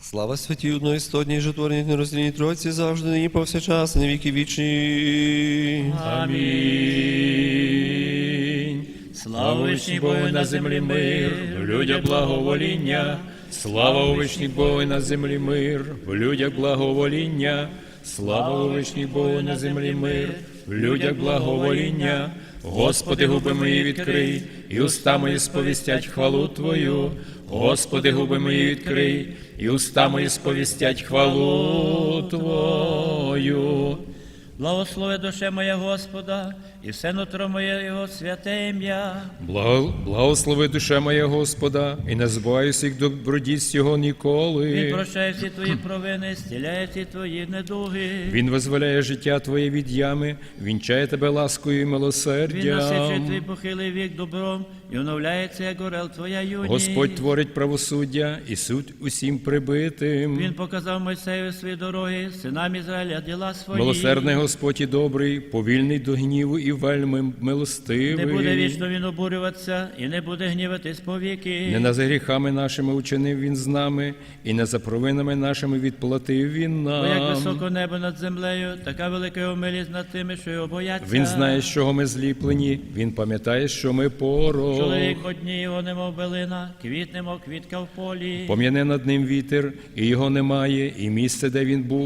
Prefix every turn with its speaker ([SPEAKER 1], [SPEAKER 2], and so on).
[SPEAKER 1] Слава святій одноістотній, жотворній, нероздільній Тройці, завжди, нині повсякчас, на віки вічні.
[SPEAKER 2] Амінь. Слава вишній Богу на землі мир, в людях благовоління. Слава у вишній Богу на землі мир, в людях благовоління. Слава у вишній Богу на землі мир, в людях благовоління. Господи, губи мої відкрий, і уста мої сповістять хвалу Твою. Господи, губи мої відкрий, і уста мої сповістять хвалу Твою.
[SPEAKER 3] Благослови душе моя Господа, і все нутро моє Його святе ім'я.
[SPEAKER 2] Благослови душе моя Господа, і не забувай всіх добродійств Його ніколи.
[SPEAKER 3] Він прощає всі твої провини, зціляє всі твої недуги.
[SPEAKER 2] Він визволяє життя твоє від ями, вінчає тебе ласкою і милосердям.
[SPEAKER 3] Він насичує твій похилий вік добром, і оновляється, як орел твоя юність.
[SPEAKER 2] Господь творить правосуддя і суд усім прибитим.
[SPEAKER 3] Він показав Мойсею свої дороги, синам Ізраїля діла свої.
[SPEAKER 2] Милосердний Господь і добрий, повільний до гніву і вельми милостивий.
[SPEAKER 3] Не буде вічно він обурюватися, і не буде гніватись повіки.
[SPEAKER 2] Не за гріхами нашими учинив він з нами, і не за провинами нашими відплатив він нам.
[SPEAKER 3] Бо як високо небо над землею, така велика його милість над тими, що його бояться.
[SPEAKER 2] Він знає, з чого ми зліплені, він пам'ятає, що ми порох.
[SPEAKER 3] Чоловік одні його немов билина, квіт немов квітка в полі.
[SPEAKER 2] Пом'яне над ним вітер, і його немає, і місце, де він був,